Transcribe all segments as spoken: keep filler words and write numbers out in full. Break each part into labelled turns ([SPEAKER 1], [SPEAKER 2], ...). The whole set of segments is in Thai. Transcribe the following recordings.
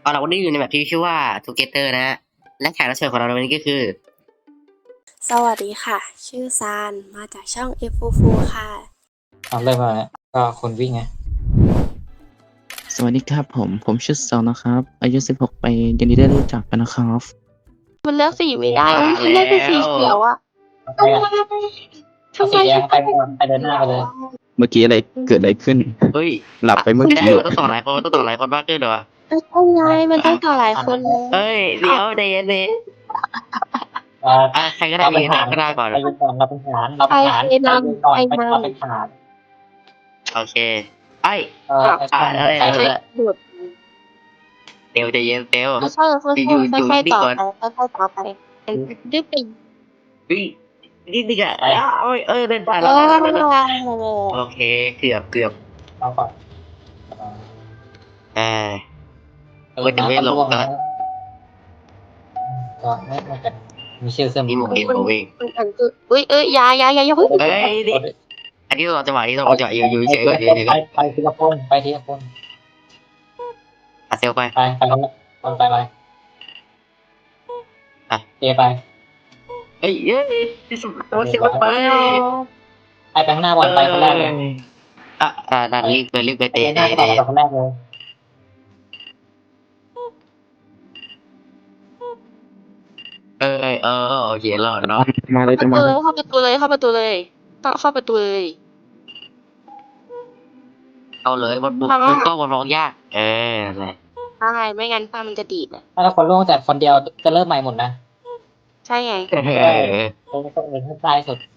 [SPEAKER 1] เอาเราวันนี้อยู่ในแบบที่ชื่อว่า Together นะฮะและแขกรับเชิญของเราในวันนี้ก็คือ
[SPEAKER 2] สวัสดีค่ะ ชื่อซานมาจากช่อง เอฟ โฟร์ โฟร์ ค่ะ
[SPEAKER 3] เอาเริ่มมาแล้วก็คนวิ่งไง
[SPEAKER 4] สวัสดีครับผม ผมชื่อซอนนะครับ อายุสิบหกปียินดีได้รู้จักกันนะครับ
[SPEAKER 5] มันเลือกสีไม่ได้อะ
[SPEAKER 1] มา
[SPEAKER 5] มันเลือกเป็นสี
[SPEAKER 1] แล้ว
[SPEAKER 5] เขียวอะ
[SPEAKER 3] ไปกัน
[SPEAKER 5] ทำไม
[SPEAKER 3] เอาสีแดงไปก่อนไปเดินหน้าไปเลย
[SPEAKER 4] เมื่อกี้อะไรเกิดอะไรขึ้น
[SPEAKER 1] เฮ้ย
[SPEAKER 4] หลับไปเมื่อ
[SPEAKER 1] ไม่
[SPEAKER 4] กี้
[SPEAKER 1] ได้มันต้องต่อหลายคนมันต้องต่อหลายคนมากขึ้นเหรอ
[SPEAKER 5] เอ้ยเอาไงมันต้องต่อหลายคนเลย
[SPEAKER 1] เฮ้ยเดี๋ยวใจเย็นดิ
[SPEAKER 3] เอ่อ
[SPEAKER 1] อ่ะใครก็ได้
[SPEAKER 3] เรา
[SPEAKER 1] มี
[SPEAKER 3] เป็น
[SPEAKER 1] หน้า
[SPEAKER 3] ฐาน
[SPEAKER 1] ก็ได้ก่อน
[SPEAKER 3] ไปยืนก่อนเราเป็นฐานเราเป็นฐาน
[SPEAKER 5] ไอ้
[SPEAKER 3] ไป
[SPEAKER 5] นำ
[SPEAKER 3] ยืนก่อน
[SPEAKER 5] ไอ้
[SPEAKER 3] ไป
[SPEAKER 5] นำ
[SPEAKER 3] เราเป็นฐาน
[SPEAKER 1] โอเคไอ้ย
[SPEAKER 3] เออไอ้
[SPEAKER 1] อ่ะ
[SPEAKER 3] ช่าง
[SPEAKER 1] เอ้ย
[SPEAKER 3] ใคร
[SPEAKER 1] เอ้ย
[SPEAKER 5] หลุด
[SPEAKER 1] เตียวใจเย็นเตียว
[SPEAKER 5] ไม่ใช่ค่อย
[SPEAKER 1] อยู่อยู่
[SPEAKER 5] ๆค่อย
[SPEAKER 1] นี่
[SPEAKER 5] ๆต่อ
[SPEAKER 1] ก่อน
[SPEAKER 5] ไปค่อยๆต่อไปดื้อไป
[SPEAKER 1] เฮ้ยนี่นี่ก็เอ้ยเอ้ยเอ้ยเล่นได้
[SPEAKER 5] เอ
[SPEAKER 1] แล้ว
[SPEAKER 5] อ
[SPEAKER 1] โอเคเกือบเกือบ
[SPEAKER 3] เราก่อน
[SPEAKER 1] เออ
[SPEAKER 3] เออ
[SPEAKER 1] ว่าจะไม่หลบ
[SPEAKER 3] น้ำ
[SPEAKER 1] ก็
[SPEAKER 3] ก็ก็ไม่ไม่เป็นมีชื่อเสื้อ
[SPEAKER 1] นี่โมเองโมเอง
[SPEAKER 5] มันอันคืออุ้ยเอ้ยอยาอยาอยาอย่าเพิ่ง
[SPEAKER 1] เฮ้ยนี่อันนี้เราจังหวะนี้เราจังหวะอยู่อยู่เฉยๆก่อนอยู่เฉยๆ
[SPEAKER 3] ไป
[SPEAKER 1] ก่อน
[SPEAKER 3] ไปทีละคนไปทีละคน
[SPEAKER 1] อ่ะเซลไป
[SPEAKER 3] ไปไปคนละคนไปไป
[SPEAKER 1] อ่ะ
[SPEAKER 3] เจไป
[SPEAKER 1] เฮ้ยเฮ้ยที่สุดตัวเซลไป
[SPEAKER 3] ไปไปข้างหน้าบอลไปคนแรกเลย
[SPEAKER 1] อ่ะอ่ะนั่นรีบไปรีบไป
[SPEAKER 3] เตะ
[SPEAKER 1] เตะ
[SPEAKER 3] หน้า
[SPEAKER 1] เตะ
[SPEAKER 3] ก็ต่อ
[SPEAKER 1] เตะ
[SPEAKER 3] คนแรกเลย
[SPEAKER 1] เออเออเออโอเครอดเนาะ
[SPEAKER 4] มาเลย
[SPEAKER 5] ประ
[SPEAKER 4] จะ
[SPEAKER 5] ตู
[SPEAKER 4] มา
[SPEAKER 5] เลยเข้าประตูเลยเข้าประตูเลยต้องเข้าประตูเลย
[SPEAKER 1] เอาเลยมันบุกมันก็มันร้องยากเอออะไร
[SPEAKER 5] ใช่ไม่งั้นผ้ามันจะดีดอะ
[SPEAKER 3] ถ้าเราคนล่วงจากคนเดียวจะเริ่มใหม่หมดนะ
[SPEAKER 5] ใช่ไง
[SPEAKER 1] เออ
[SPEAKER 3] ตรงตรงเองข้างใต้สุด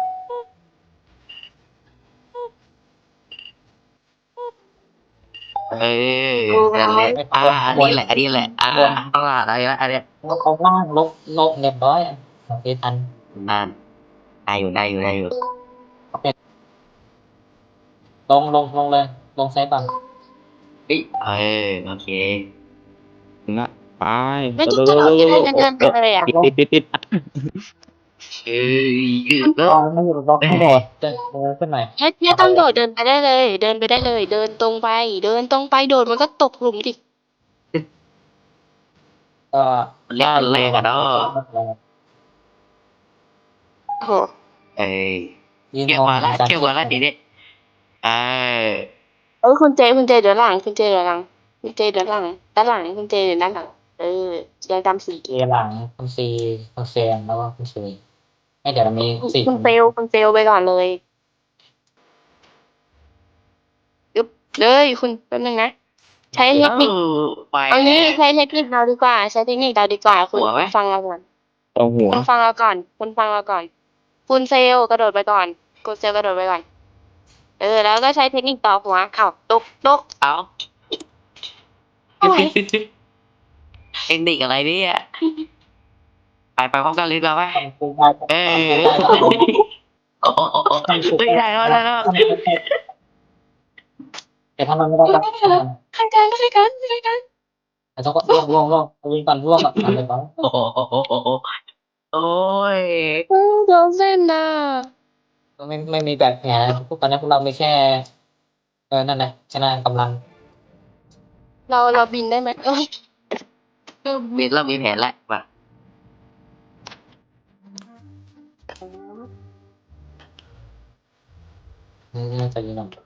[SPEAKER 1] เออนั่นแหละอ่าอันนี้แหละอันนี้แหละอ่าต้องลาอะไรละอันเนี้ย
[SPEAKER 3] ลงล่างลงลงเรียบร้อยโอเคทัน
[SPEAKER 1] นั่นได้อยู่ได้อยู่ได้อยู่
[SPEAKER 3] ลงลงลงเลยลงไซส์บัง
[SPEAKER 1] เฮ้ยเออโอเค
[SPEAKER 4] ถึงละไป
[SPEAKER 5] ไม่ต้องจะเอาเดินเดินไปเลยอะ
[SPEAKER 4] ติดติดติดติด
[SPEAKER 1] เอ้ยยืด
[SPEAKER 3] ล
[SPEAKER 1] แล้ว
[SPEAKER 3] งไม่หยุดลงไม่โดดเดินเดินขึ้นหน่อย
[SPEAKER 5] ไม่ไม่ต้องโดดเดินไปได้เลย เดินไปได้เลย เดินตรงไป เดินตรงไปโดดมันก็ตกหลุมดิ
[SPEAKER 3] ก็
[SPEAKER 1] เรียกแรงอะเนาะ
[SPEAKER 5] โอ้โห
[SPEAKER 1] เอ้ย
[SPEAKER 3] ยืน
[SPEAKER 1] เกี่ยวมาละเกี่ยวมาละทีนี้เออ
[SPEAKER 5] เออคุณเจคุณเจเดี๋ยวหลังคุณเจเดี๋ยวหลังคุณเจเดี๋ยวหลังด้านหลังคุณเจเดี๋ยวด้านหลังเออยังจำสี
[SPEAKER 3] เกหลังคุณซีคุณเซนแล้วก็คุณซีให้เดี๋ยวเรามีสี่
[SPEAKER 5] คุณเซลคุณเซลไปก่อนเลยยึบเลยคุณแป๊บนึงนะ ใช้เทคนิค
[SPEAKER 1] ไป
[SPEAKER 5] เอางี้ใช้เทคนิคเราดีกว่า ใช้เทคนิคเราดีกว่า คุณฟังเราก่อน
[SPEAKER 4] เอาหัว
[SPEAKER 5] คุณฟังเราก่อน คุณฟังเราก่อน คุณเซลกระโดดไปก่อนคุณเซลกระโดดไปก่อน เออ แล้วก็ใช้เทคนิคต่อหัวเอ้าตกตก
[SPEAKER 1] เอา
[SPEAKER 5] อะไร
[SPEAKER 1] เทคนิคอะไรเนี่ยไปไปพร้อมกันเลยดีกว่าไหม
[SPEAKER 3] คูได้
[SPEAKER 1] เออโอ้โหไม่ได้แล้วได้แล้ว
[SPEAKER 3] แต่ถ้ามันไม่ได้ก็
[SPEAKER 5] ใครกันใครกันใครกัน
[SPEAKER 3] แต่ต้องล่วงล่วงล่วงวิ่งก่อนล่วงก่อนทำเลยก่อน
[SPEAKER 1] โอ้โหโอ้ย
[SPEAKER 5] เออโดนเส้นน่ะ
[SPEAKER 3] ไม่ไม่มีแบบแผลพวกตอนนี้พวกเรามีแค่เออนั่นแหละชนะกำลัง
[SPEAKER 5] เราเราบินได้ไหมเอ้ย
[SPEAKER 1] มีเรามีแผนแล้วว่ะ
[SPEAKER 3] น่าจะยิงหน่อย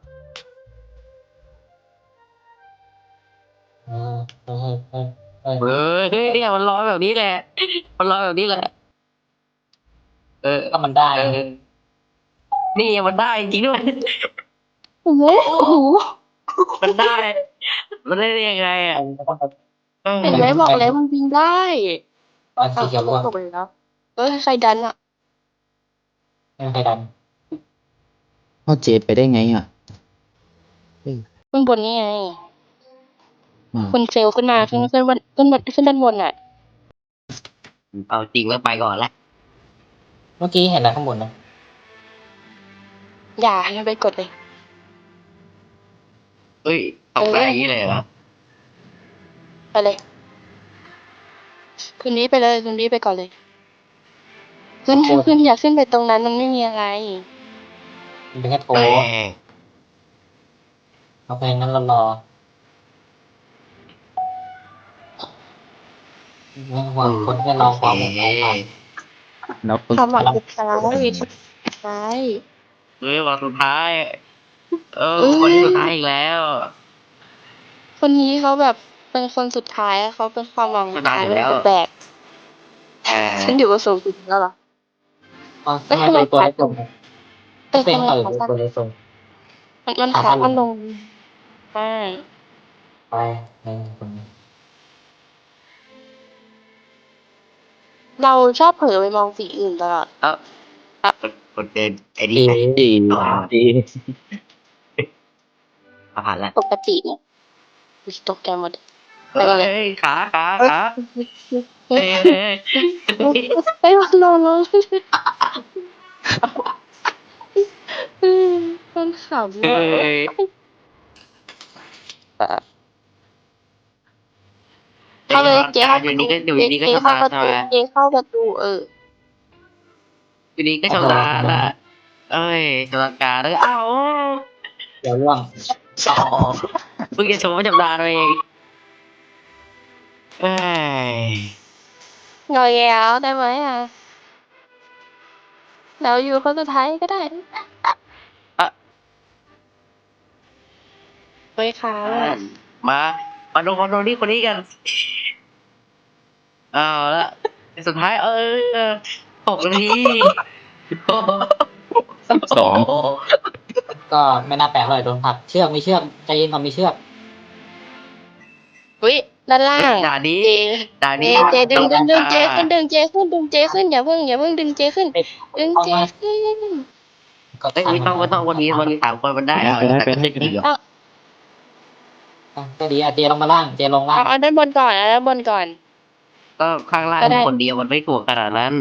[SPEAKER 3] เออเออเออเออ
[SPEAKER 1] เฮ้ยเนี่ยมันร้อนแบบนี้แหละมันร้อนแบบนี้แหละเออ
[SPEAKER 3] ก็มันได้
[SPEAKER 1] เออนี่มันได้จริงด้วย
[SPEAKER 5] โอ้โหโอ้โห
[SPEAKER 1] มันได้ มันได้ยังไงอ่ะ
[SPEAKER 5] เห็นไหมบอกแล้วมันบินได้
[SPEAKER 3] อันสีเขียวล่วง
[SPEAKER 5] ตกไปแล้วเอ้ยใครดันอ่ะ
[SPEAKER 3] ไม่มีใครดัน
[SPEAKER 4] เอาเจไปได้ไงอ่ะ
[SPEAKER 5] ขึ้นบนนี่ไง
[SPEAKER 4] อืม
[SPEAKER 5] คุณเซลขึ้นมาขึ้นขึ้นบนขึ้นบนขึ้นด้านบนอ่ะ
[SPEAKER 1] เอาจริงแล้วไปก่อนละ
[SPEAKER 3] เมื่อกี้เห็นอะไรข้างบนนะ
[SPEAKER 5] อย่าอย่าไปกดเลย
[SPEAKER 1] เฮ้ยตกได้อย่างนี้เลยเหรอ
[SPEAKER 5] ไปเลยคุณนี้ไปเลยคุณนี้ไปก่อนเลยขึ้นขึ้นอย่าขึ้นไปตรงนั้นมันไม่มีอะไร
[SPEAKER 3] มันเป็นแค่โถ
[SPEAKER 1] เอ้ย
[SPEAKER 3] โอเคงั้นเรารอไม่ห่วงคนที่รอความหวังของเรา
[SPEAKER 4] แล้วคุณ
[SPEAKER 5] ความหวังสุดท้ายสุดท้าย
[SPEAKER 1] เฮ้ยวันสุดท้าย เออ
[SPEAKER 5] เอ้ย
[SPEAKER 1] คนสุดท้ายอีกแล้ว
[SPEAKER 5] คนนี้เขาแบบเป็นคนสุดท้ายเขาเป็นความหวังสุดท้าย
[SPEAKER 1] สุดท้าย
[SPEAKER 5] ไม่
[SPEAKER 1] แล้ว
[SPEAKER 5] เป็นแบก
[SPEAKER 1] เออ
[SPEAKER 5] ฉันอยู่กับสูงสุดแล้วเหรอ
[SPEAKER 3] อ๋อทำไมตัวตัวเล็กลง
[SPEAKER 5] เอ้ย
[SPEAKER 3] เป็น
[SPEAKER 5] ทำไม
[SPEAKER 3] เออ
[SPEAKER 5] ขาสั้น
[SPEAKER 3] ตัวเล็กลง
[SPEAKER 5] มันมัน
[SPEAKER 3] ขา
[SPEAKER 5] ขา
[SPEAKER 3] สั้น
[SPEAKER 5] มันลงใช่
[SPEAKER 3] ไปในคนนี้
[SPEAKER 5] เราชอบเผลอไปมองสีอื่นตลอด
[SPEAKER 1] เอ้าอ่ะกดเดินไอ้นี่
[SPEAKER 3] ดี
[SPEAKER 1] ไง
[SPEAKER 4] ดีดี
[SPEAKER 1] มาผ่านแล้ว
[SPEAKER 5] ปกติเนี่ยอุ๊ยตกใจหมด ไปก่อนเลย
[SPEAKER 1] เฮ้ยขาขาขา
[SPEAKER 5] เฮ้
[SPEAKER 1] เฮ้
[SPEAKER 5] ย
[SPEAKER 1] ยเฮ้ยเฮ้ย
[SPEAKER 5] เฮ้ยลงลงมันขำ
[SPEAKER 1] เฮ้
[SPEAKER 5] อะ
[SPEAKER 1] ย
[SPEAKER 5] เข้าเลยเจ๊เข้าประ
[SPEAKER 1] อยู่
[SPEAKER 5] ตู
[SPEAKER 1] นี่ก็อยู่
[SPEAKER 5] เจ๊
[SPEAKER 1] นี่ก็
[SPEAKER 5] เจ๊
[SPEAKER 1] ชำ
[SPEAKER 5] เข้า
[SPEAKER 1] นาญ
[SPEAKER 5] ประ
[SPEAKER 1] ใช่
[SPEAKER 5] ตู
[SPEAKER 1] ไหม
[SPEAKER 5] เจ๊เข้าประตูเออ
[SPEAKER 1] อยู่นี่ก็ชำนาญละเอ้ยชำนาญการแล้วเอ้า
[SPEAKER 3] เดี๋ยวร่วง
[SPEAKER 1] อ๋อเพิ่งจะชมว่าชำนาญเองเอ้ย
[SPEAKER 5] งอยแล้วได้ไหมอ่ะแล้วอยู่คนสุดท้ายก็ได้
[SPEAKER 1] อ่ะ
[SPEAKER 5] เฮ้ยค่ะ
[SPEAKER 1] มามาดูคนนี้คนนี้กันเอาละสุดท้ายเออหกนาที
[SPEAKER 4] สอง
[SPEAKER 3] ก็ไม่น่าแปลกเลยโดนผลักเชือกมีเชือกใจเย็นก่อนมีเชือก
[SPEAKER 5] อุ้ยด้านล่าง
[SPEAKER 1] ด่านนี้
[SPEAKER 5] เจ
[SPEAKER 1] ด่าน
[SPEAKER 5] เจ
[SPEAKER 1] นี้
[SPEAKER 5] เจดึงดึงดึงเจ
[SPEAKER 1] อ่า
[SPEAKER 5] ขึ้นดึงเจขึ้นดึงเจขึ้นอย่าเพิ่งอย่าเพิ่งดึงเจขึ้น
[SPEAKER 3] เด็ก
[SPEAKER 5] ดึง
[SPEAKER 3] ต้อง
[SPEAKER 5] เจ
[SPEAKER 3] มา
[SPEAKER 5] ขึ้น
[SPEAKER 3] ก็
[SPEAKER 1] เอ้ยไม่ต้องไม่ต้องวันนี้วันนี้สามคนมันได้เอา
[SPEAKER 4] ไปได้ไปได้
[SPEAKER 1] แต่ก็เดี๋ยว
[SPEAKER 3] ก็ดีอ่ะเจลงมาล่างเจลงล่าง
[SPEAKER 5] เอาเอาด้านบนก่อนเอาด้านบนก่อน
[SPEAKER 1] ก็ข้างล่าง
[SPEAKER 5] ก็ได้
[SPEAKER 1] คนเดียวมันไม่ถูกขนาดนั้น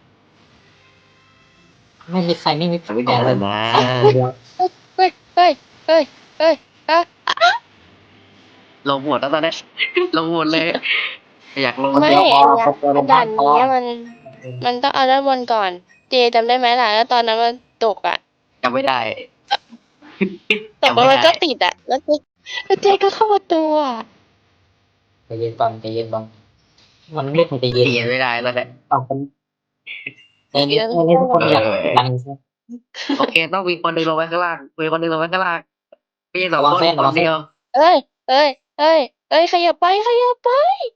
[SPEAKER 3] ไม่มีใครไม่มี
[SPEAKER 1] มันไม่
[SPEAKER 3] แผ
[SPEAKER 1] ถู
[SPEAKER 3] ล
[SPEAKER 1] ก
[SPEAKER 3] เล
[SPEAKER 1] ข
[SPEAKER 3] ย
[SPEAKER 1] นาดนั้น
[SPEAKER 3] เดียว
[SPEAKER 5] เฮ้ยเฮ้ยเฮ้ยเฮ้ยอ่ะ
[SPEAKER 1] ลงหมดแล้วตอนนี้ลงหมดเลยอยากลง
[SPEAKER 5] ไม่
[SPEAKER 3] เดียวพอ
[SPEAKER 5] อันเนี้ย
[SPEAKER 3] เดียวลง
[SPEAKER 5] ด่า
[SPEAKER 3] ล่าง
[SPEAKER 5] น
[SPEAKER 3] พอ
[SPEAKER 5] เนี้ยมันมันต้องเอาด้านบนก่อน เจจำได้ไหมล่ะแล้วตอนนั้นมันตกอ่ะ
[SPEAKER 1] จำไม่ได้
[SPEAKER 5] ตกแล้วมันก็ติดอ่ะ แล้วเจแล้วเจก็เข้าประตูอ่ะ
[SPEAKER 3] ใจเย็นก่อนใจเย็นก่อนมันไม่ถูกใจเย็น
[SPEAKER 1] เขียนไม่ได้แล้วแหละ
[SPEAKER 3] เอาคนใจเย็นใจเย็นทุกคนอยากดัง
[SPEAKER 1] โอเคต้องมีคนหนึ่งลงไปข้างล่างมีคนหนึ่งลงไปข้างล่างไม่ใช่สอง
[SPEAKER 3] ระวัง
[SPEAKER 1] คน
[SPEAKER 3] เส้น
[SPEAKER 1] ค
[SPEAKER 3] ระวั
[SPEAKER 1] น
[SPEAKER 3] งเส้น
[SPEAKER 1] เดียว
[SPEAKER 5] เอ้ยเอ้ยเอ้ยเอ้ยขยับไปขยับไป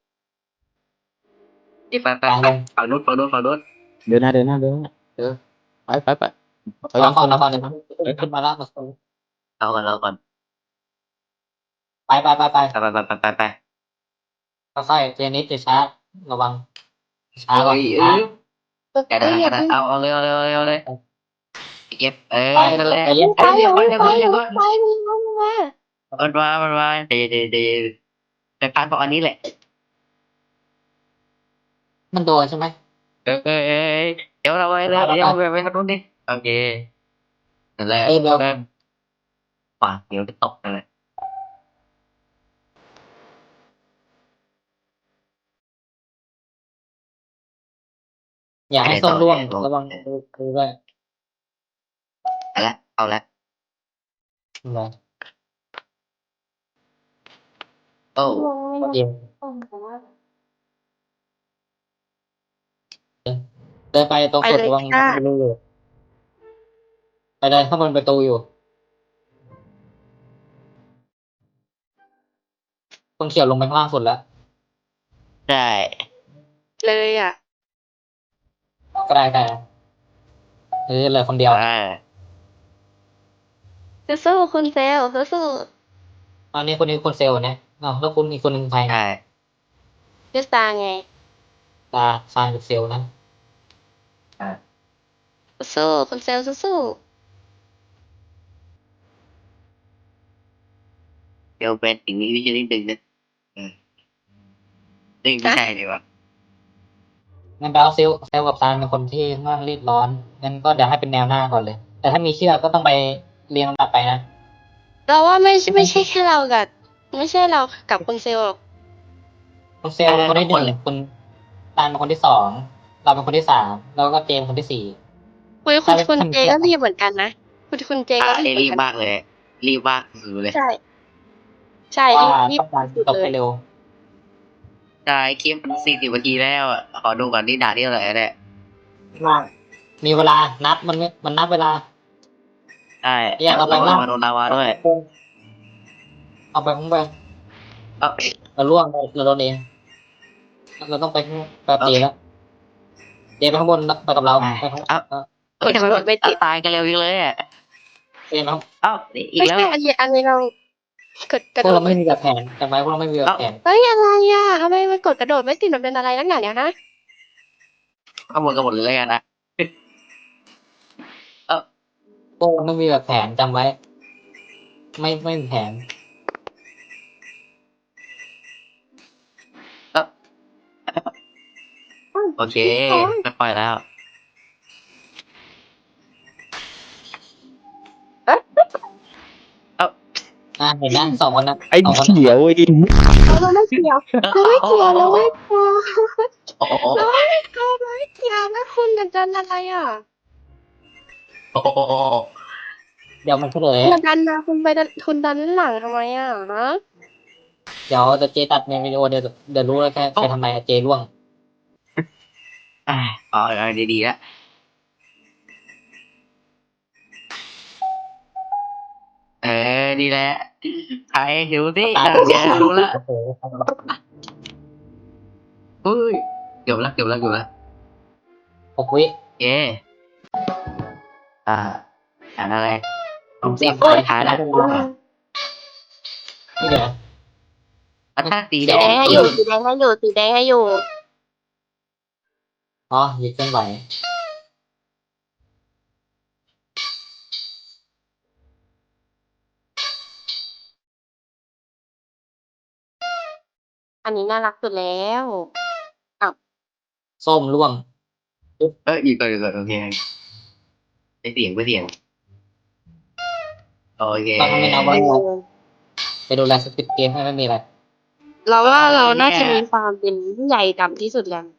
[SPEAKER 1] ที่ไปไป
[SPEAKER 3] กลางลง
[SPEAKER 1] ฝั่งนู้นฝั่งนู้นฝั่งนู้น
[SPEAKER 4] เดินหน้าเดินหน้าเดินหน้าเออไปไปไป
[SPEAKER 3] เอาก่อนเอาก่อนเลยครับขึ้นมาล่างมา
[SPEAKER 1] เอาก่อนเอาก่อน
[SPEAKER 3] ไปไปไปไป
[SPEAKER 1] ไปไปไปไปไป
[SPEAKER 3] ค่อยๆเจนิสจะช้าระวังช้าก่อน
[SPEAKER 1] เอ้ยเอ
[SPEAKER 3] ช้า
[SPEAKER 1] อแกได้แกได้เอาเอาเลยเอาเลยเอาเลยเอาเลยเก็บเออ
[SPEAKER 3] ไป
[SPEAKER 1] นั่นแหละ
[SPEAKER 3] ใจเย็น
[SPEAKER 5] ไป
[SPEAKER 1] เดี๋ยว
[SPEAKER 5] ไป
[SPEAKER 1] เดี๋ยว
[SPEAKER 5] ไป
[SPEAKER 1] เดี๋ยว
[SPEAKER 5] ไป
[SPEAKER 1] เดี๋ยว
[SPEAKER 5] ไปไป
[SPEAKER 1] มันมามันมาเดี๋ยวเดี๋ยวเดี๋ยวไปพานบอกอันนี้แหละ
[SPEAKER 3] มันโดนใช่ไหม
[SPEAKER 1] เออเออเออเดี๋ยวเราไปแล้วเดี๋ยวไปไปทางนู้นดิโอเคนั่นแหละ
[SPEAKER 3] เอ้ยเดี๋ยว
[SPEAKER 1] ปากเดี๋ยวจะตกนั่นแหละ
[SPEAKER 3] อย่าให้ส้นร่วงระวังดูด้วย
[SPEAKER 1] เอาละเอาละ
[SPEAKER 3] ระวัง
[SPEAKER 1] โอ้
[SPEAKER 3] เดียวเดินไปตรงกดระวังรูอยู่ไปเลยข้างบนประตูอยู่คนเขียวลงไปข้างล่างสุดแล้ว
[SPEAKER 1] ใช่
[SPEAKER 5] เลยอ่ะ
[SPEAKER 3] ก็ได้แต่เออเลยคนเดียว
[SPEAKER 1] อ่า
[SPEAKER 5] สู้ๆคุณเซลสู้
[SPEAKER 3] ตอนนี้คนนี้คนเซลล์เนี่ยอ้าวแล้วคุณอีกคนหนึ่งใคร
[SPEAKER 1] ใช่
[SPEAKER 5] ๆพี่สตาร์ไง
[SPEAKER 3] ตาซานกับเซลล์นะ
[SPEAKER 5] สู้คุณเซลสู้
[SPEAKER 1] เดี๋ยวเป็นสิ่งนี้วิจารณ์ดึงนะเออดึงไม่ใช่ดีกว่า
[SPEAKER 3] งั้นไปเอาเซลล์เซลล์กับซานเป็นคนที่ค่อนข้างรีบร้อนงั้นก็เดี๋ยวให้เป็นแนวหน้าก่อนเลย แต่ถ้ามีเชือกก็ต้องไปเรียงลำดับไปนะ
[SPEAKER 5] ๆเราว่าไม่ใช่ไม่ใช่แค่เรากับไม่ใช่เรากับคุณเซลหรอก
[SPEAKER 3] คุณเซลล์เป็นคนที่หนึ่งคุณซานเป็นคนที่สองเราเป็นคนที่สามแล้วก็เจมส์คนที่สี่
[SPEAKER 5] คุยคุณ
[SPEAKER 3] ใช่
[SPEAKER 5] คุณ
[SPEAKER 3] ทำ
[SPEAKER 5] เจก็รีบเหมือนกันนะคุณคุณเจก็
[SPEAKER 1] อ่า
[SPEAKER 5] รีบเหมื
[SPEAKER 1] รี
[SPEAKER 5] อน
[SPEAKER 1] บ
[SPEAKER 5] กัน
[SPEAKER 1] มากเลย รีบมากสุดเลย
[SPEAKER 5] ใช่ ใช่
[SPEAKER 3] ว่า
[SPEAKER 5] รีบรีบ
[SPEAKER 3] ต้องการ
[SPEAKER 5] สุด
[SPEAKER 3] ตก
[SPEAKER 5] เล
[SPEAKER 3] ให้
[SPEAKER 5] ย
[SPEAKER 3] เร็ว
[SPEAKER 1] ได้คลิปสี่สิบนาทีแล้วอะขอดูก่อนนี่ด่าที่เท่าไหร่แล้วเนี่ย
[SPEAKER 3] มีเวลานับมันไม่มันนับเวลา
[SPEAKER 1] ได้
[SPEAKER 3] อยากเอาไปบ้าง
[SPEAKER 1] มาโดนลาวาด้วย
[SPEAKER 3] เอาไปข้างไป
[SPEAKER 1] เอ้า
[SPEAKER 3] เราล่วงเราโดนเองเราต้องไปข้างไปตีแล้วเจไปข้างบนไปกับเราไปข้าง
[SPEAKER 1] เอ้า
[SPEAKER 3] เออ
[SPEAKER 1] เอ้ยทำไมมันตายกันเร็วจังเลยอ่ะ
[SPEAKER 3] เจมา
[SPEAKER 1] เอ้าอีก
[SPEAKER 5] ไม่
[SPEAKER 1] แล้ว
[SPEAKER 5] ใช่อันนี้อันนี้เรากดกระ
[SPEAKER 3] พว
[SPEAKER 5] โด
[SPEAKER 3] กเรา
[SPEAKER 5] ด
[SPEAKER 3] ไม่มีแบบแผนจำไว้พวกเราไม่มีแบบแผน
[SPEAKER 5] เฮ้ยอะไรอ่ะทำไมมันกดกระโดดไม่ติดมันเป็นอะไรนักหนาเนี่ยนะ
[SPEAKER 1] ข้างบนกันหมดเลยกันนะ เอ้า
[SPEAKER 3] พวกเราไม่มีแบบแผนจำไว้ ไม่ไม่มีแผน
[SPEAKER 1] เอ้าโอเคไม่ปล่อยแล้ว เอ้า
[SPEAKER 3] อ่ะเห็นนะสองคนนะ
[SPEAKER 4] ไอ้
[SPEAKER 3] สองคน
[SPEAKER 4] เขียวไอ้
[SPEAKER 5] เราไม่เกี่ยวเราไม่เกี่ยวเราไม่เกี่ยว
[SPEAKER 1] โอ้โห
[SPEAKER 5] เราไม่เกี่ยวเราไม่เกี่ยวนะคุณจะดันอะไรอ่ะ
[SPEAKER 1] โอ้โห
[SPEAKER 3] เดี๋ยวมันเฉลย
[SPEAKER 5] คุณดันนะคุณไปดันคุณดันหลังทำไมอ่ะฮะ
[SPEAKER 3] เดี๋ยวจะเจตัดในวิดีโอเดี๋ยวเดี๋ยวรู้แล้วแค่ใครทำไมอะเจร่วง
[SPEAKER 1] อ่าอ๋อเอาดีๆแล้วเออดีแหละใครดูสิ
[SPEAKER 3] ตา
[SPEAKER 1] อ่ะแกรู้ละ
[SPEAKER 3] โอ้โห
[SPEAKER 1] เฮ้ยเกือบละเกือบละเกือบละ
[SPEAKER 3] หกวิ
[SPEAKER 1] เย้อ่าอ่านอะไรผมสิบสุดท้ายแล้ว
[SPEAKER 3] นี่เดี๋ยว
[SPEAKER 1] อ่ะถ้าสี
[SPEAKER 5] สี
[SPEAKER 1] แด
[SPEAKER 5] แดง
[SPEAKER 1] ง
[SPEAKER 5] ให้อยู่สีแดงให้อยู่สีแดงให้อยู่
[SPEAKER 3] อ๋อหยิบเคลื่อนไหว
[SPEAKER 5] อันนี้น่ารักสุดแล้ว
[SPEAKER 3] ส้มร่วง
[SPEAKER 1] เอออีกก่อนอีกก่อนโอเคไปเสียงไปเสียงโอเค
[SPEAKER 3] เราทำเป็นเอาไว้ไปดูแลสปิดเกมให้ไม่มีอะไร
[SPEAKER 5] เราว่าเราน่าจะมีความเป็นผู้ใหญ่ดำที่สุดแล้ว